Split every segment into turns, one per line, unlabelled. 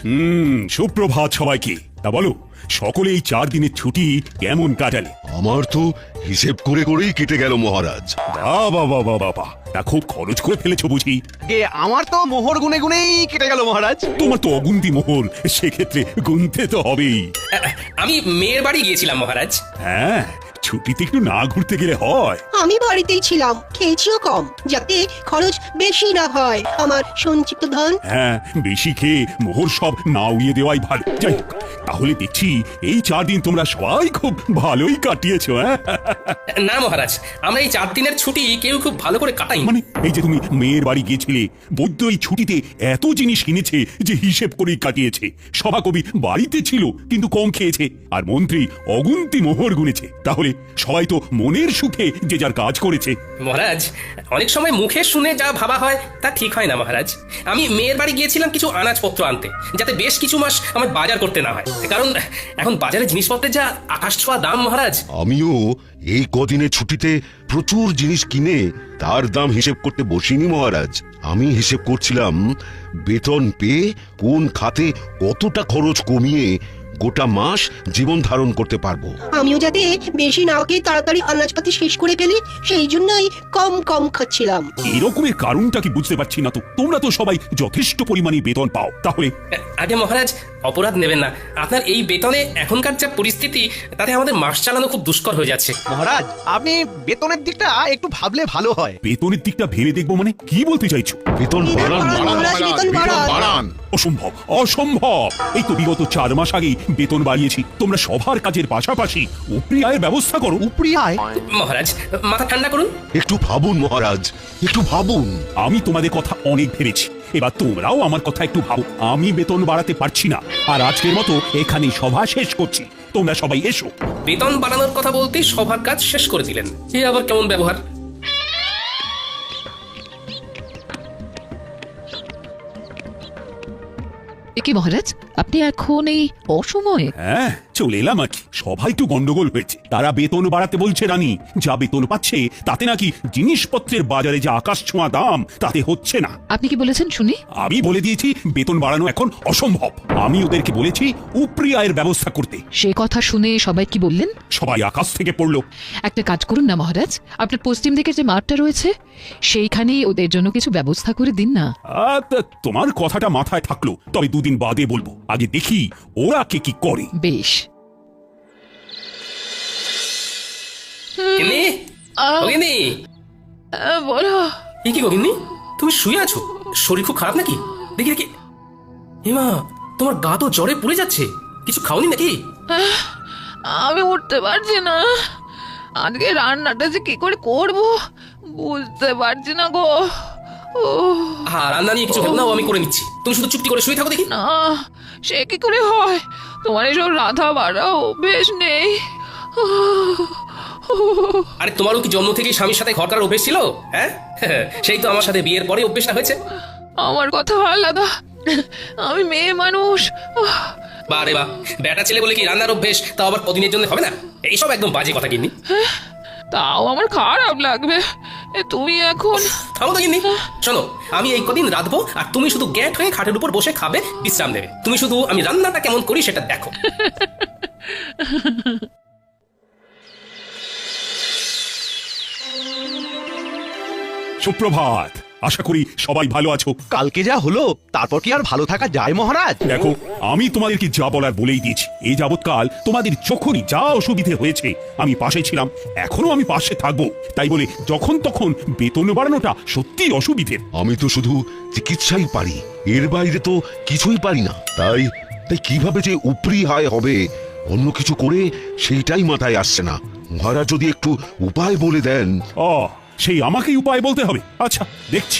সুপ্রভাত সবাইকে। তা বলো, সকলে এই 4 দিনের ছুটি কেমন কাটালে?
আমার তো হিসেব করে করেই কেটে গেল মহারাজ।
বাবা বাবা বাবা, তা খুব খরচ করে ফেলেছো বুঝি?
আমার তো মোহর গুনে গুনেই কেটে গেল মহারাজ।
তোমার তো অগুন্তি মোহর, সেক্ষেত্রে গুনতে তো হবেই।
আমি মেয়ের বাড়ি গিয়েছিলাম মহারাজ।
হ্যাঁ, ছুটিতে একটু না ঘুরতে গেলে হয়?
আমি বাড়িতেই ছিলাম, খেয়েছিও কম, যাতে খরচ বেশি না হয় আমার সঞ্চিত ধন।
হ্যাঁ, বেশি খেয়ে মোহর সব না উড়িয়ে দেওয়াই ভালো। যাই হোক, তাহলে দেখছি এই 4 দিন তোমরা সবাই খুব ভালোই কাটিয়েছো। হ্যাঁ,
না মহারাজ, আমরা এই 4 দিনের ছুটি কেউ খুব ভালো করে কাটাই।
মানে এই যে তুমি মেয়ের বাড়ি গিয়েছিলে, বৈদ্য এই ছুটিতে এত জিনিস কিনেছে যে হিসেব করেই কাটিয়েছে। সভাকবি বাড়িতে ছিল কিন্তু কম খেয়েছে, আর মন্ত্রী অগুন্তি মোহর গুনেছে। তাহলে সবাই তো মনের সুখে যে যার কাজ করেছে।
মহারাজ, অনেক সময় মুখে শুনে যা ভাবা হয় তা ঠিক হয় না মহারাজ। আমি মেয়ের বাড়ি গিয়েছিলাম কিছু আনাজপত্র আনতে, যাতে বেশ কিছু মাস আমার বাজার করতে না হয়, কারণ এখন বাজারে জিনিসপত্রের যা আকাশ ছোঁয়া দাম মহারাজ।
আমিও এই কদিনের ছুটিতে প্রচুর জিনিস কিনে তার দাম হিসেব করতে বসিনি মহারাজ। আমি হিসেব করছিলাম বেতন পেয়ে কোন খাতে কতটা খরচ কমিয়ে গোটা মাস জীবন ধারণ করতে পারবো।
আমিও যাতে বেশি না খেয়ে তাড়াতাড়ি আনাজপাতি শেষ করে ফেলি, সেই জন্যই কম কম খাচ্ছিলাম।
এরকমের কারণটা কি বুঝতে পারছি না তো। তোমরা তো সবাই যথেষ্ট পরিমাণে বেতন পাও, তাহলে
আগে মহারাজ, অপরাধ নেবেন না। আপনার এই বেতনে এখনকার যা পরিস্থিতি, তাতে আমাদের মাস চালানো খুব দুষ্কর হয়ে যাচ্ছে।
মহারাজ, আপনি বেতনের দিকটা একটু ভাবলে ভালো হয়।
বেতনের দিকটা ভেবে দেখবো মানে কি বলতে চাইছো?
বেতন বাড়ান
মহারাজ, বেতন বাড়ান।
অসম্ভব, অসম্ভব। এই তো বিগত 4 মাস আগেই বেতন বাড়িয়েছি। তোমরা সবার কাজের পাশাপাশি উপরি আয়ের ব্যবস্থা করো।
উপরি আয়?
মহারাজ, মাথা ঠান্ডা করুন।
একটু ভাবুন মহারাজ, একটু ভাবুন।
আমি তোমাদের কথা অনেক ভেবেছি, এবার তোমরাও আমার কথা একটু ভাবো। আমি বেতন বাড়াতে পারছি না, আর আজকের মতো এখানেই সভা শেষ করছি। তোমরা সবাই এসো।
বেতন বাড়ানোর কথা বলতেই সবার কাজ শেষ করে দিলেন। এ আবার কেমন ব্যবহার?
কি মহারাজ, আপনি এখন এই অসময়ে?
হ্যাঁ, চলে এলাম আর কি। সবাই একটু গন্ডগোল হয়েছে। তারা বেতন বাড়াতে বলছে রানী। যা বেতন পাচ্ছে তাতে নাকি জিনিসপত্রের বাজারে যে আকাশ ছোঁয়া দাম, তাতে হচ্ছে না।
আপনি কি বলেছেন শুনি?
আমি বলে দিয়েছি বেতন বাড়ানো এখন অসম্ভব। আমি ওদেরকে বলেছি উপরি আয়ের ব্যবস্থা করতে।
সে কথা শুনে সবাই কি বললেন?
সবাই আকাশ থেকে পড়লো।
একটা কাজ করুন না মহারাজ, আপনার পশ্চিম দিকের যে মাঠটা রয়েছে সেইখানেই ওদের জন্য কিছু ব্যবস্থা করে দিন না।
তোমার কথাটা মাথায় থাকলো, তবে 2 দিন বাদে বলবো। আগে দেখি ওরা কে কি করে।
বেশ।
গিন্নি, ও গিন্নি।
বলো।
এ কি গো গিন্নি, তুমি শুয়ে আছো? শরীর খুব খারাপ নাকি? দেখি দেখি। হেমা, তোমার গা তো জ্বরে পুড়ে যাচ্ছে। কিছু খাওনি নাকি?
আমি উঠতে পারছি না। আজকে রান্নাটা যে কি করে করব বুঝতে পারছি না গো।
হ্যাঁ, রান্না নিয়ে কিছু ভেবো না, আমি করে নিচ্ছি। তুমি শুধু চুপটি করে শুয়ে থাকো দেখি।
না, সে কি করে হয়? তোমার এসব রাধা বাড়া অভ্যেস নেই।
আরে তোমারও কি জন্ম থেকেই স্বামীর সাথে ঘর করার অভ্যেস ছিল? হ্যাঁ, সেই তো আমার সাথে বিয়ের পরে অভ্যেসটা হয়েছে।
আমার কথা আলাদা, আমি মেয়ে মানুষ।
বারে বা, বেটা ছেলে বলে কি রান্নার অভ্যেস তাও আবার কদিনের জন্য হবে না? এইসব একদম বাজে কথা গিন্নি।
তাও আমার খারাপ লাগবে। তুমি এখন
থামো তো গিন্নি। শোনো, আমি এই কদিন রাঁধবো, আর তুমি শুধু গ্যাট হয়ে খাটের উপর বসে খাবে, বিশ্রাম দেবে। তুমি শুধু আমি রান্নাটা কেমন করি সেটা দেখো।
সুপ্রভাত। আশা করি সবাই ভালো আছো।
কালকে যা হলো তারপর কি আর ভালো থাকা যায় মহারাজ?
দেখো, আমি তোমাদেরকে যা বলার বলেই দিয়েছি। এই যাবৎকাল তোমাদের যখনই যা অসুবিধে হয়েছে আমি পাশে ছিলাম, এখনো আমি পাশে থাকবো। তাই বলে যখন তখন বেতন বাড়ানোটা সত্যি অসুবিধের।
আমি তো শুধু চিকিৎসাই পারি, এর বাইরে তো কিছুই পারি না। তাই তাই কিভাবে যে উপরি আয় হবে অন্য কিছু করে সেইটাই মাথায় আসছে না। মহারাজ যদি একটু উপায় বলে দেন।
সেই আমাকেই উপায় বলতে হবে? আচ্ছা, দেখছি।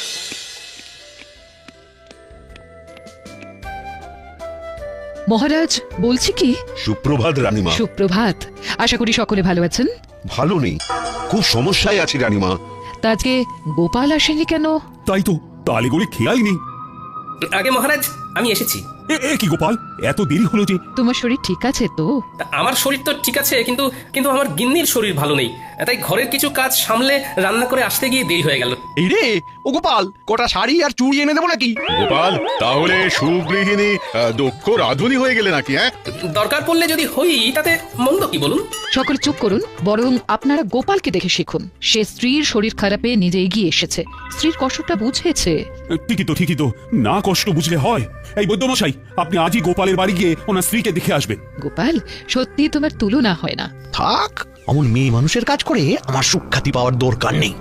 মহারাজ বলছি কি।
সুপ্রভাত রানীমা।
সুপ্রভাত। আশা করি সকলে ভালো আছেন।
ভালো নেই, খুব সমস্যায় আছি রানীমা।
তা আজকে গোপাল আসেনি কেন?
তাই তো, তালে গড়ে খেয়ালই নেই।
আগে মহারাজ, আমি এসেছি।
কি গোপাল, এত দেরি হলো যে?
তোমার শরীর ঠিক আছে তো?
তা আমার শরীর তো ঠিক আছে, কিন্তু কিন্তু আমার গিন্নির শরীর ভালো নেই, তাই ঘরের কিছু কাজ সামলে রান্না করে আসতে গিয়ে দেরি হয়ে গেল।
এই রে ও গোপাল, কটা শাড়ি আর চুড়ি এনে দেবো নাকি?
গোপাল, তাহলে সুগৃহিণী দক্ষ রাধুনি হয়ে গেলে নাকি? হ্যাঁ,
দরকার পড়লে যদি হই তাতে মন্দ কি বলুন?
সকলে চুপ করুন, বরং আপনারা গোপালকে দেখে শিখুন। সে স্ত্রীর শরীর খারাপে নিজে এগিয়ে এসেছে, স্ত্রীর কষ্টটা বুঝেছে।
ঠিকই তো, না কষ্ট বুঝলে হয়। এই বৈদ্যমশাই, আপনি আজই গোপালের বাড়ি গিয়ে ওনার স্ত্রীকে দেখে আসবেন।
গোপাল, সত্যি তোমার তুলনা হয় না।
থাক, অমন মেয়ে মানুষের কাজ করে আমার সুখ্যাতি পাওয়ার দরকার নেই।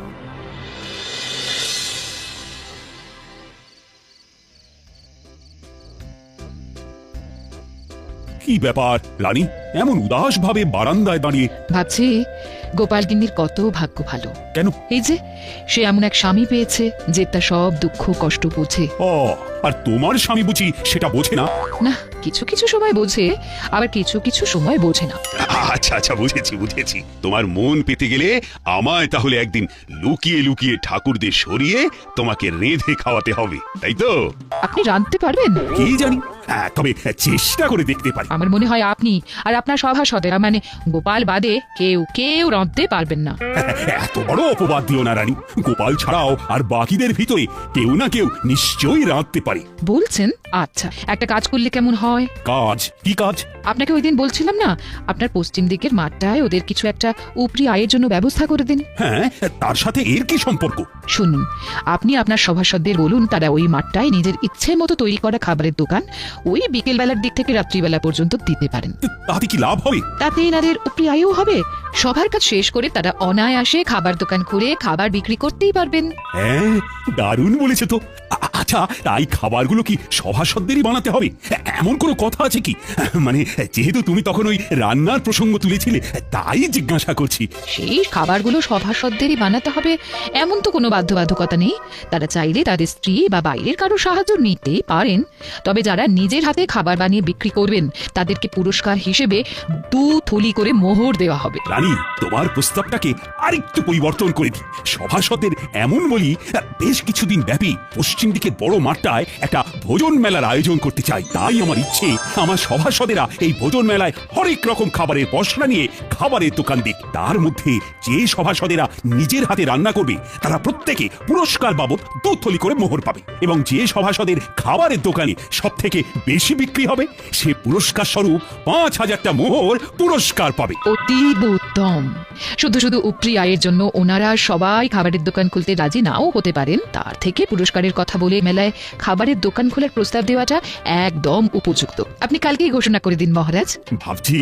কি ব্যাপার রানী, এমন উদাস ভাবে বারান্দায় দাঁড়িয়ে?
ভাবছি গোপাল গিন্নির কত ভাগ্য ভালো।
কেন?
এই যে সে এমন এক স্বামী পেয়েছে যে তার সব দুঃখ কষ্ট বোঝে।
ও, আর তোমার স্বামী বুঝি সেটা বোঝে না?
না, কিছু কিছু সময় বোঝে, আবার কিছু কিছু সময় বোঝে না।
আচ্ছা, বুঝেছি। তোমার মন পেতে গেলে আমায় তাহলে একদিন লুকিয়ে লুকিয়ে ঠাকুরদের সরিয়ে তোমাকে রেঁধে খাওয়াতে হবে, তাই তো?
আপনি রাঁধতে পারবেন?
কি জানি, তবে চেষ্টা করে দেখতে পারি।
আমার মনে হয় আপনি আর আপনার সভাসদেরা, মানে গোপাল বাদে কেউ রাঁধতে পারবেন না।
এত বড় অপবাদ দিও না রানী। গোপাল ছাড়াও আর বাকিদের ভিতরে কেউ না কেউ নিশ্চয়ই রাঁধতে পারে।
বলছেন? আচ্ছা, একটা কাজ করলে কেমন হয়?
কাজ? কি কাজ?
আপনাকে ওই দিন বলছিলাম না, আপনার পশ্চিম দিকের মাঠটায় ওদের কিছু একটা উপরি আয়ের জন্য ব্যবস্থা করে দিন।
হ্যাঁ, তার সাথে এর কি সম্পর্ক?
শুনুন, আপনি আপনার সভাসদদের বলুন তারা ওই মাঠটায় নিজের ইচ্ছে মতো তৈরি করা খাবারের দোকান ওই বিকেল বেলার দিক থেকে রাত্রিবেলা পর্যন্ত দিতে পারেন।
তাতে কি লাভ হবে?
তাতে এনাদের উপরি আয়ও হবে। সবার কাজ শেষ করে তারা অনায়াসে খাবার দোকান খুলে খাবার বিক্রি করতেই পারবেন।
হ্যাঁ, দারুণ বলেছে তো। আচ্ছা, এই খাবারগুলো কি সভাসদেরই বানাতে হবে? এমন কোনো কথা আছে কি? মানে যেহেতু তুমি তখন ওই রান্নার প্রসঙ্গ তুলেছিলে, তাই জিজ্ঞাসা করছি।
সেই খাবারগুলো সভাসদেরই বানাতে হবে এমন তো কোনো বাধ্যবাধকতা নেই। তারা চাইলে তাদের স্ত্রী বা বাইরের কারো সাহায্য নিতেই পারেন। তবে যারা নিজের হাতে খাবার বানিয়ে বিক্রি করবেন তাদেরকে পুরস্কার হিসেবে 2 থলি করে মোহর দেওয়া হবে।
রানী, তোমার প্রস্তাবটাকে আরেকটু পরিবর্তন করে দিই। সভাসদের এমন বলি, বেশ কিছুদিন ব্যাপী পশ্চিম দিকের বড় মাঠটায় একটা ভোজন মেলার আয়োজন করতে চাই। তাই আমার ইচ্ছে, আমার সভাসদেরা এই ভোজন মেলায় হরেক রকম খাবারের পসরা নিয়ে খাবারের দোকান দিক। তার মধ্যে যে সভাসদেরা নিজের হাতে রান্না করবে তারা প্রত্যেকে পুরস্কার বাবদ 2 থলি করে মোহর পাবে, এবং যে সভাসদের খাবারের দোকানে সব থেকে বেশি বিক্রি হবে সে পুরস্কার স্বরূপ 5000টা মোহর পুরস্কার পাবে।
অতীব উত্তম। শুধু শুধু উপরি আয়ের জন্য ওনারা সবাই খাবারের দোকান খুলতে রাজি নাও হতে পারেন। তার থেকে পুরস্কারের কথা বলে মেলায় খাবারের দোকান খোলার প্রস্তাব দেওয়াটা একদম উপযুক্ত। আপনি কালকেই ঘোষণা করে দিন মহারাজ।
ভাবছি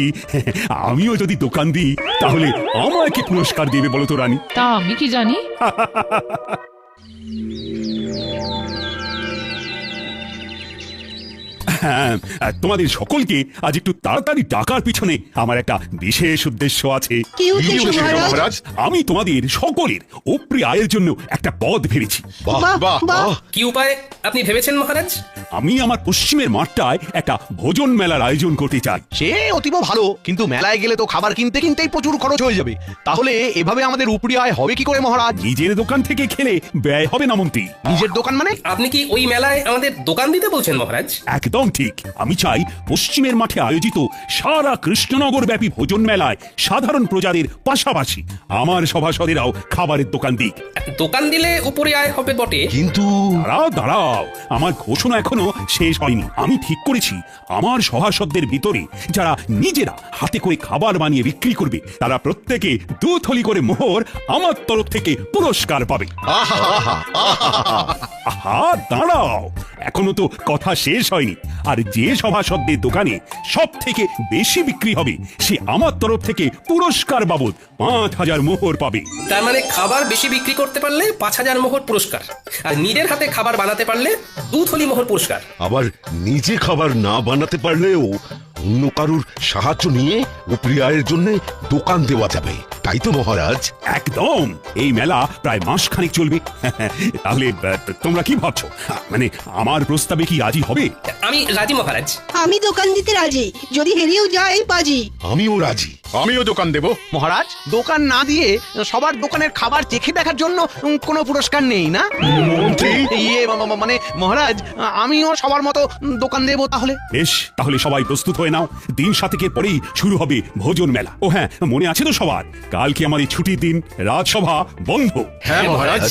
আমিও যদি দোকান দিই তাহলে আমায় কি পুরস্কার দেবে বলো তো রানী?
তা আমি কি জানি।
হ্যাঁ, তোমাদের সকলকে আজ একটু তাড়াতাড়ি ডাকার পিছনে আমার একটা বিশেষ উদ্দেশ্য আছে।
কি উদ্দেশ্য মহারাজ?
আমি তোমাদের সকলের উপরি আয়ের জন্য একটা পদ ভেবেছি।
বাহ
বাহ,
বাহ
বাহ।
বাহ।
কি উপায় আপনি ভেবেছেন মহারাজ?
আমি আমার পশ্চিমের মাঠটায় একটা ভোজন মেলার আয়োজন করতে চাই।
সে অতীব ভালো, কিন্তু মেলায় গেলে তো খাবার কিনতেই প্রচুর খরচ হয়ে যাবে। তাহলে এভাবে আমাদের উপরি আয় হবে কি করে মহারাজ?
নিজের দোকান থেকে খেলে ব্যয় হবে না মন্ত্রী।
নিজের দোকান মানে?
আপনি কি ওই মেলায় আমাদের দোকান দিতে বলছেন মহারাজ?
একদম ঠিক। আমি চাই পশ্চিমের মাঠে আয়োজিত সারা কৃষ্ণনগর ব্যাপী ভোজন মেলায় সাধারণ প্রজাদের পাশাপাশি আমার সভাসদেরাও খাবারের দোকান দিক।
দোকান দিলে উপরে আয় হবে বটে,
কিন্তু
দাঁড়াও, আমার ঘোষণা এখনো শেষ হয়নি। আমি ঠিক করেছি আমার সভাসদদের ভিতরে যারা নিজেরা হাতে করে খাবার বানিয়ে বিক্রি করবে তারা প্রত্যেকে 2 থলি করে মোহর আমার তরফ থেকে পুরস্কার পাবে। আহা, দাঁড়াও, এখনো তো কথা শেষ হয়নি। আর যে সভাসদের দোকানে সব থেকে বেশি বিক্রি হবে সে আমার তরফ থেকে পুরস্কার বাবদ 5000 মোহর পাবে।
তার মানে খাবার বেশি বিক্রি করতে পারলে 5000 মোহর পুরস্কার, আর নিজের হাতে খাবার বানাতে পারলে 2 থলি মোহর পুরস্কার।
আবার নিজে খাবার না বানাতে পারলেও অন্য কারুর সাহায্য নিয়ে উপরি আয়ের জন্য দোকান দেওয়া যাবে, তাই তো মহারাজ?
একদম। এই মেলা প্রায় মাসখানেক চলবে। তাহলে তোমরা কি ভাবছো? মানে আমার প্রস্তাবে কি রাজি হবে?
আমি রাজি মহারাজ।
আমি দোকান দিতে রাজি, যদি হেরেও যায় বাজি।
আমিও রাজি।
আমিও দোকান দেব।
মহারাজ, দোকান না দিয়ে সবার দোকানের খাবার চেখে দেখার জন্য কোনো পুরস্কার নেই না?
মন্ত্রী
ইয়ে মানে মহারাজ, আমিও সবার মতো দোকান দেবো তাহলে।
বেশ, তাহলে সবাই প্রস্তুত হয়ে নাও। দিন 7 পরেই শুরু হবে ভোজন মেলা। ও হ্যাঁ, মনে আছে তো সবার, কালকে আমার এই ছুটির দিন, রাজসভা বন্ধ।
হ্যাঁ মহারাজ।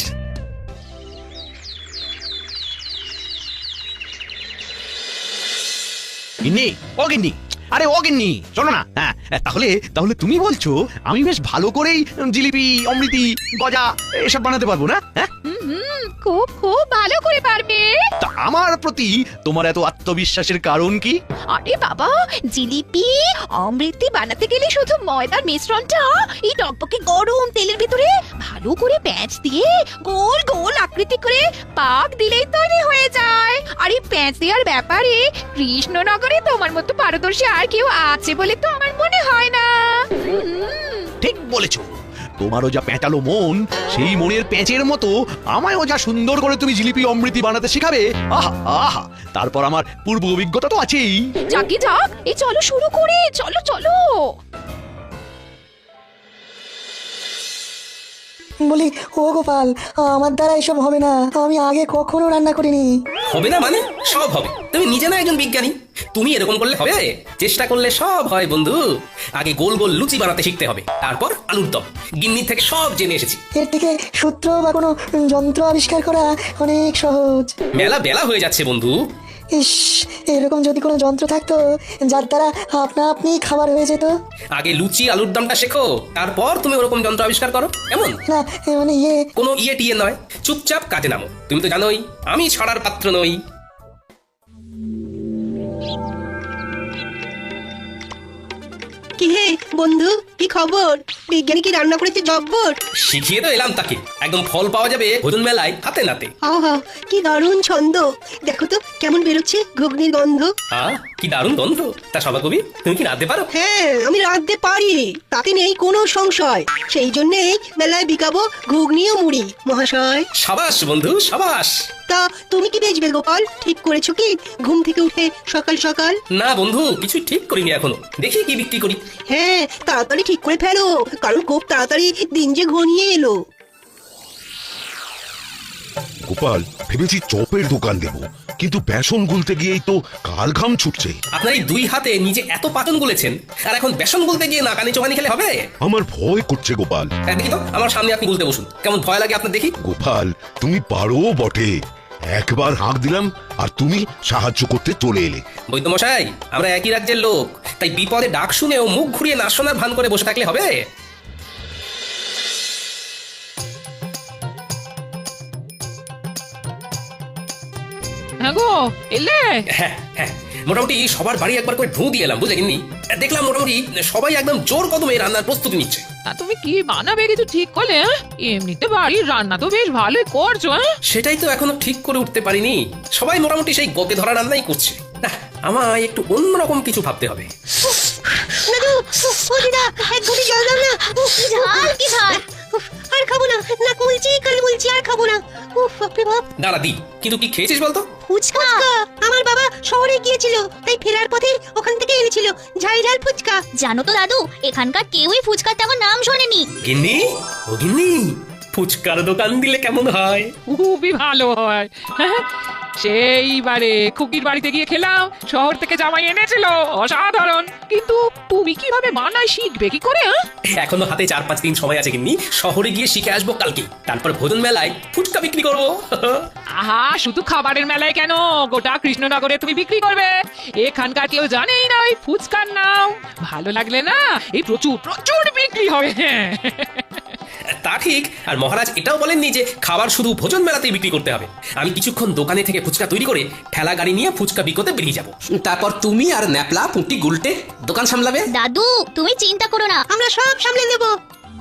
গিন্নি, ও গিন্নি, আরে ও গিন্নি, শোনো না। হ্যাঁ, তাহলে তাহলে তুমি বলছো আমি বেশ ভালো করেই জিলিপি, অমৃতি, গজা এসব বানাতে পারবো না? হ্যাঁ,
খুব খুব ভালো করে পারবে।
তা আমার প্রতি তোমার এত আত্মবিশ্বাসের কারণ কি?
আরে বাবা, জিলিপি অমৃতি বানাতে গেলে শুধু ময়দার মিশ্রণটা এই টকটকে গরম তেলের ভিতরে ভালো করে প্যাঁচ দিয়ে গোল গোল আকৃতি করে পাক দিলেই তৈরি হয়ে যায়। আর এই প্যাঁচ দেওয়ার ব্যাপারে কৃষ্ণনগরে তোমার মতো পারদর্শী আর কেউ আছে বলে তো আমার মনে হয় না।
ঠিক বলেছো, তোমারও যা প্যাঁচালো মন, সেই মনের প্যাঁচের মতো আমায়ও যা সুন্দর করে তুমি জিলিপি অমৃতি বানাতে শেখাবে, আহা আহা, তারপর আমার পূর্ব অভিজ্ঞতা তো আছেই।
যাকে যাক, এই চলো শুরু করে, চলো চলো।
বলি, ও গোপাল, আমার দ্বারা এসব হবে না, আমি আগে কখনো রান্না করিনি।
হবে না মানে? সব হবে। তুমি নিজে না একজন বিজ্ঞানী, তুমি এরকম করলে হবে? চেষ্টা করলে সব হয় বন্ধু। আগে গোল গোল লুচি বানাতে শিখতে হবে, তারপর আলুর দম। গিন্নির থেকে সব জেনে এসেছি।
এর থেকে সূত্র বা কোনো যন্ত্র আবিষ্কার করা অনেক সহজ।
মেলা বেলা হয়ে যাচ্ছে বন্ধু।
ইস, এরকম যদি কোনো যন্ত্র থাকতো যার দ্বারা আপনা আপনি খাবার হয়ে যেত।
আগে লুচি আলুর দমটা শেখো, তারপর তুমি ওরকম যন্ত্র আবিষ্কার করো। এমন
না, মানে
কোনো ইয়ে টিয়ে নয়, চুপচাপ কাজে নামো। তুমি তো জানোই আমি ছড়ার পাত্র নই।
কি হে বন্ধু, কি খবর? বিজ্ঞানী কি রান্না করেছে জব্বর?
শিখিয়ে তো এলাম তাকে, একদম ফল পাওয়া যাবে ভোজন মেলায় হাতে নাতে।
আহা, কি দারুণ ছন্দ! দেখো তো কেমন বেরোচ্ছে ঘুগনির গন্ধ।
কি দারুণ গন্ধ! তা সবা কবি, তুমি কি রাঁধতে পারো?
হ্যাঁ, আমি রাঁধতে পারি, তাতে নেই কোনো সংশয়। সেই জন্যই মেলায় বিকাবো ঘুগনি ও মুড়ি মহাশয়।
সাবাস বন্ধু, সাবাস।
তা তুমি কি বেচবে গোপাল? ঠিক করেছো কি ঘুম থেকে উঠে সকাল সকাল?
না বন্ধু, কিছুই ঠিক করিনি এখনো, দেখি কি বিক্রি করি।
হ্যাঁ, তাড়াতাড়ি ঠিক করে ফেলো, কারণ খুব তাড়াতাড়ি দিন যে ঘনিয়ে এলো।
গোপাল, ভেবেছি চপের দোকান দেব, কিন্তু বেসন গুলতে গিয়েই তো কাল ঘাম ছুটছে।
আপনার এই 2 হাতে নিজে এত পাচন গুলেছেন, আর এখন বেসন গুলতে গিয়ে নাকানি চোখানি খেলে হবে?
আমার ভয় করছে গোপাল।
দেখি তো, আমার সামনে আপনি গুলতে বসুন, কেমন ভয় লাগে আপনার দেখি।
গোপাল, তুমি পারো বটে। একবার হাঁক দিলাম আর তুমি সাহায্য করতে চলে এলে।
বৈদ্যমশাই, আমরা একই রাজ্যের লোক, তাই বিপদে ডাক শুনেও মুখ ঘুরিয়ে না শোনার ভান করে বসে থাকলে হবে?
হ্যাঁ গো, এলে?
হ্যাঁ হ্যাঁ, মোটামুটি সবার বাড়ি একবার করে ঢু দিয়ে এলাম, বুঝলেননি? দেখলাম মোটামুটি সবাই একদম জোর কদমে রান্নার প্রস্তুতি নিচ্ছে।
তা তুমি কি বানাবে কিছু ঠিক করলে? এমনিতে বাড়ির রান্না তো বেশ ভালোই করছো।
সেটাই তো এখনো ঠিক করে উঠতে পারিনি। সবাই মোটামুটি সেই গতে ধরা রান্নাই করছে। না, আমায় একটু অন্যরকম কিছু ভাবতে হবে।
দাদু, ও দিদা, এক ঘটি জল দাও না। ঝাল কি ঝাল! আর খাবো না, নাক মুলছি, কাল মুলছি, আর খাবো না। উফ, বাপরে বাপ!
দাঁড়া দি, কিন্তু কি খেয়েছিস বলতো?
ফুচকা! আমার বাবা শহরে গিয়েছিল, তাই ফেরার পথে ওখান থেকে এনেছিল ঝাল ঝাল ফুচকা।
জানো তো দাদু, এখানকার কেউই ফুচকার তেমন নাম শোনেনি।
গিন্নি, ও গিন্নি, ফুচকার দোকান দিলে কেমন হয়?
খুবই ভালো হয়। হ্যাঁ, সেইবারে খুকির বাড়িতে গিয়ে খেলাম, শহর থেকে জামাই এনেছিল, অসাধারণ। কিন্তু তুমি কিভাবে বানাই শিখবে কি করে?
এখনো হাতে 4-5 দিন সময় আছে গিন্নি, শহরে গিয়ে শিখে আসবো কালকে, তারপর ভোজন মেলায় ফুচকা বিক্রি করবো।
আহা, শুধু খাবারের মেলায় কেন, গোটা কৃষ্ণনগরে তুমি বিক্রি করবে। এখানকার কেউ জানেই না ওই ফুচকার নাম। ভালো লাগলে না, এই প্রচুর প্রচুর বিক্রি হবে।
তা ঠিক, আর মহারাজ এটাও বলেননি যে খাবার শুধু ভোজন মেলাতেই বিক্রি করতে হবে। আমি কিছুক্ষণ দোকানে থেকে ফুচকা তৈরি করে ঠেলা গাড়ি নিয়ে ফুচকা বিকোতে বেরিয়ে যাব। তারপর তুমি আর ন্যাপলা পুঁটি গুলটে দোকান সামলাবে।
দাদু, তুমি চিন্তা করো না,
আমরা সব সামলে নেবো।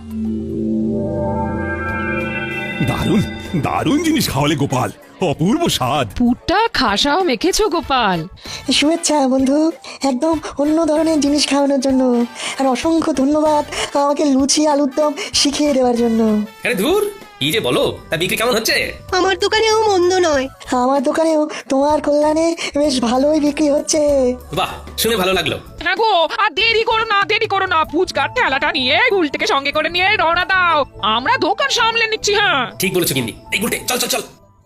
দারুণ দারুণ জিনিস খাওয়ালে গোপাল, অপূর্ব স্বাদ।
পুরটা খাসাও মেখেছো গোপাল।
শুভেচ্ছা বন্ধু, একদম অন্য ধরনের জিনিস খাওয়ানোর জন্য। আর অসংখ্য ধন্যবাদ আমাকে লুচি আলুর দম শিখিয়ে দেওয়ার জন্য।
আরে ধুর, কি যে বলো, তা বিক্রি কেমন হচ্ছে?
আমার দোকানেও মন্দ নয়।
আমার দোকানেও তোমার কল্যাণে বেশ ভালোই বিক্রি হচ্ছে।
বাহ, শুনে ভালো লাগলো।
হ্যাঁ গো, আর দেরি করো না ফুচকার ঠেলাটা নিয়ে গুলটিকে সঙ্গে করে নিয়ে রওনা দাও, আমরা দোকান সামলে নিচ্ছি। হ্যাঁ
ঠিক বলেছো গিন্নি। এই গুলটে, চল চল চল।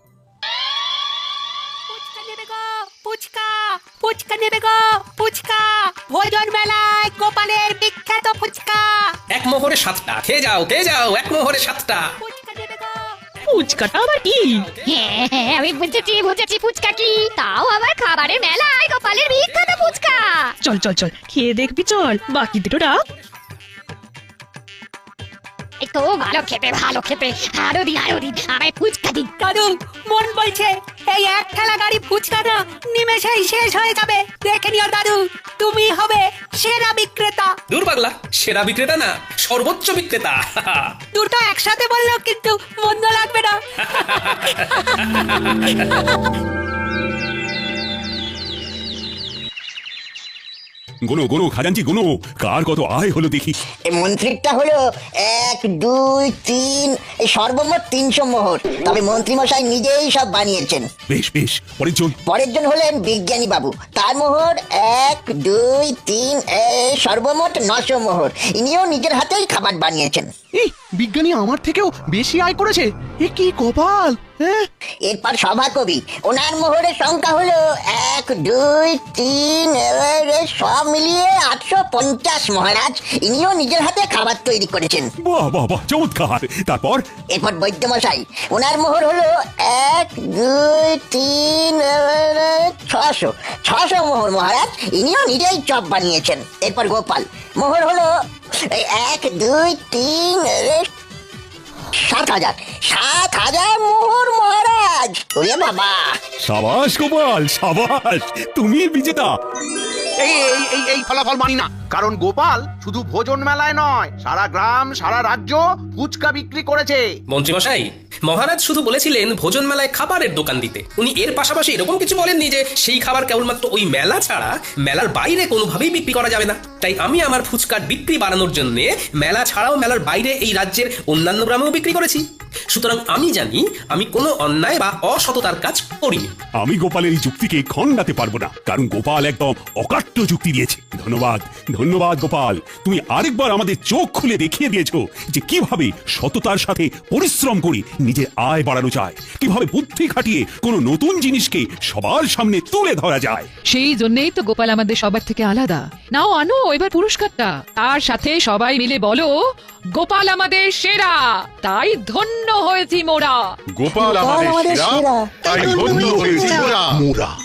ফুচকা ফুচকা নেবে গো, ফুচকা ভোজন মেলায় গোপালের বিখ্যাত ফুচকা।
এক মোহরে 7টা, খেয়ে যাও এক মোহরে 7টা।
ফুচকাটা আবার কি?
হ্যাঁ হ্যাঁ, আমি বুঝেছি ফুচকা কি। তাও আবার খাবারের মেলায় গোপালের বিখ্যাত ফুচকা।
চল চল চল, খেয়ে দেখবি চল, বাকি দুটো ডাক।
একটু ভালো খেতে আরো দিন আমায় ফুচকা দিন।
দাদু, মন বলছে এই এক ঠেলা গাড়ি ফুচকা না নিমেষেই শেষ হয়ে যাবে। দেখে নিও দাদু, তুমি হবে সেরা বিক্রেতা।
দূর পাগলা, সেরা বিক্রেতা না, সর্বোচ্চ বিক্রেতা।
দুটো একসাথে বললেও কিন্তু মন্দ লাগবে না।
গুনো গুনো খাজাঞ্চি গুনো, কার কত আয় হলো দেখি।
মন্ত্রীরটা হলো 1 2 3, এই সর্বমোট 300 মোহর। তবে মন্ত্রী মশাই নিজেই সব বানিয়েছেন।
বেশ বেশ, পরের জন।
পরের জন হলেন বিজ্ঞানী বাবু, তার মোহর 1 2 3, এই সর্বমোট 900 মোহর। ইনিও নিজের হাতেই খাবার বানিয়েছেন।
এই বিজ্ঞানী আমার থেকেও বেশি আয় করেছে, এ কি কপাল। হ্যাঁ,
এরপর সভাকবি, ওনার মোহরের সংখ্যা হলো 1 2 3, সব মিলিয়ে 850 মহারাজ। ইনিও নিজের হাতে খাবার তৈরি করেছেন।
বাহ বাহ বাহ, চমৎকার। তারপর?
এরপর বৈদ্যমশাই, ওনার মোহর হলো 1 2 3, 600 মোহর মহারাজ। ইনিও নিজেই চপ বানিয়েছেন। এরপর গোপাল, মোহর হলো 1 2 3, 7,000 মোহর মহারাজ। ওরে বাবা!
সাবাস গোপাল, সাবাস, তুমি বিজেতা।
এই ফলাফল মানি না, কারণ গোপাল শুধু ভোজন মেলায় নয়, সারা গ্রাম সারা রাজ্য ফুচকা বিক্রি করেছে।
মন্ত্রী মশাই, মহারাজ শুধু বলেছিলেন ভোজন মেলায় খাবারের দোকান দিতে। উনি এর পাশাপাশি এরকম কিছু বলেননি যে সেই খাবার কেবলমাত্র ওই মেলা ছাড়া মেলার বাইরে কোনোভাবেই বিক্রি করা যাবে না। তাই আমি আমার ফুচকার বিক্রি বাড়ানোর জন্য মেলা ছাড়াও মেলার বাইরে এই রাজ্যের অন্যান্য গ্রামেও বিক্রি করেছি। সুতরাং আমি জানি আমি কোনো অন্যায় বা অসততার কাজ করিনি।
আমি গোপালের এই যুক্তিকে খণ্ডাতে পারবো না, কারণ গোপাল একদম অকাট্য যুক্তি দিয়েছে। ধন্যবাদ ধন্যবাদ গোপাল, তুমি আরেকবার আমাদের চোখ খুলে দেখিয়ে দিয়েছো যে কিভাবে সততার সাথে পরিশ্রম করে নিজের আয় বাড়ানো যায়, কিভাবে বুদ্ধি খাটিয়ে কোনো নতুন জিনিসকে সবার সামনে তুলে ধরা যায়।
সেই জন্যই তো গোপাল আমাদের সবার থেকে আলাদা। নাও আনো এবার পুরস্কারটা, তার সাথে সবাই মিলে বলো গোপাল আমাদের সেরা, তাই ধন্য হয়েছি মোরা।
গোপাল আমাদের সেরা, তাই ধন্য হয়েছি মোরা।